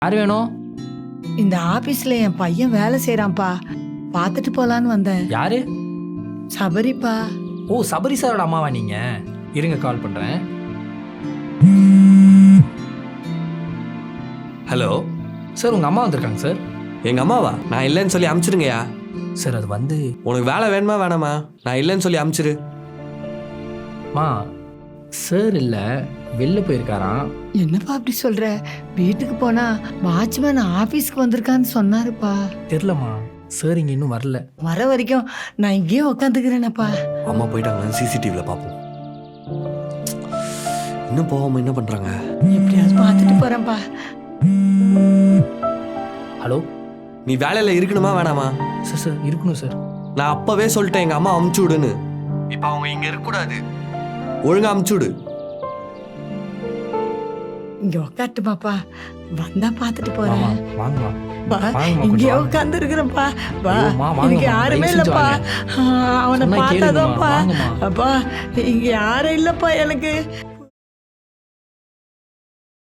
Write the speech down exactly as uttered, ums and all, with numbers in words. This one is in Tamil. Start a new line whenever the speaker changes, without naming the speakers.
யார் வேணும்?
இந்த ஆபீஸ்ல என் பையன் வேலை செய்யறான்ப்பா, பார்த்துட்டு போலான்னு வந்தேன்.
யாரு?
சபரிப்பா.
ஓ, சபரி சாரோட அம்மாவா நீங்க? இருங்க, கால் பண்றேன்.
ஹலோ
சார், உங்க அம்மா வந்திருக்காங்க சார்.
எங்கள் அம்மாவா? நான் இல்லைன்னு சொல்லி அமுச்சிருங்கய்யா.
சார் அது வந்து
உனக்கு வேலை வேணுமா வேணாமா? நான் இல்லைன்னு சொல்லி அமுச்சிரு.
மா சார் இல்லை, வெளில போயிருக்காராம்.
என்னப்பா அப்படி சொல்ற? வீட்டுக்கு போனா வாட்ச்மேன் ஆபீஸ்க்கு வந்திருக்கான்னு சொன்னாருப்பா.
தெரிலம்மா, சார் இங்கே இன்னும் வரல.
வர வரைக்கும் நான் இங்கேயே உக்காந்துக்கிறேனப்பா.
அம்மா போயிட்டாங்களான்னு சிசிடிவியில் பார்ப்போம். இன்னும் போகாம என்ன பண்ணுறாங்க?
எப்படியாவது பார்த்துட்டு போறேன்ப்பா.
ஹலோ,
நீ வேலையில் இருக்கணுமா வேணாமா?
சார் சார் இருக்கணும் சார்.
நான் அப்போவே சொல்லிட்டேன் எங்கள் அம்மா அமுச்சு விடுன்னு. இப்போ அவங்க இங்கே இருக்கக்கூடாது, ஒழுங்கா அமுச்சு விடு.
இங்க உக்காட்டுமாப்பா, வந்தா பார்த்துட்டு
வாமா,
போறேன்.
வாங்கம்மா.
பா,
வாங்கம்மா,
இங்கேயே
கொஞ்சம் வாங்க.
உட்காந்து இருக்கிறேன்ப்பா. வா,
ஐயோம்மா, வாங்கம்மா,
எனக்கு யாருமே
தயவு செஞ்சு
இல்லப்பா.
வாங்க.
ஆ, அவனை
சொன்னா கேளுங்கம்மா,
பார்த்தாதான்ப்பா.
வாங்கம்மா.
அப்பா, இங்க யாரும் இல்லப்பா எனக்கு.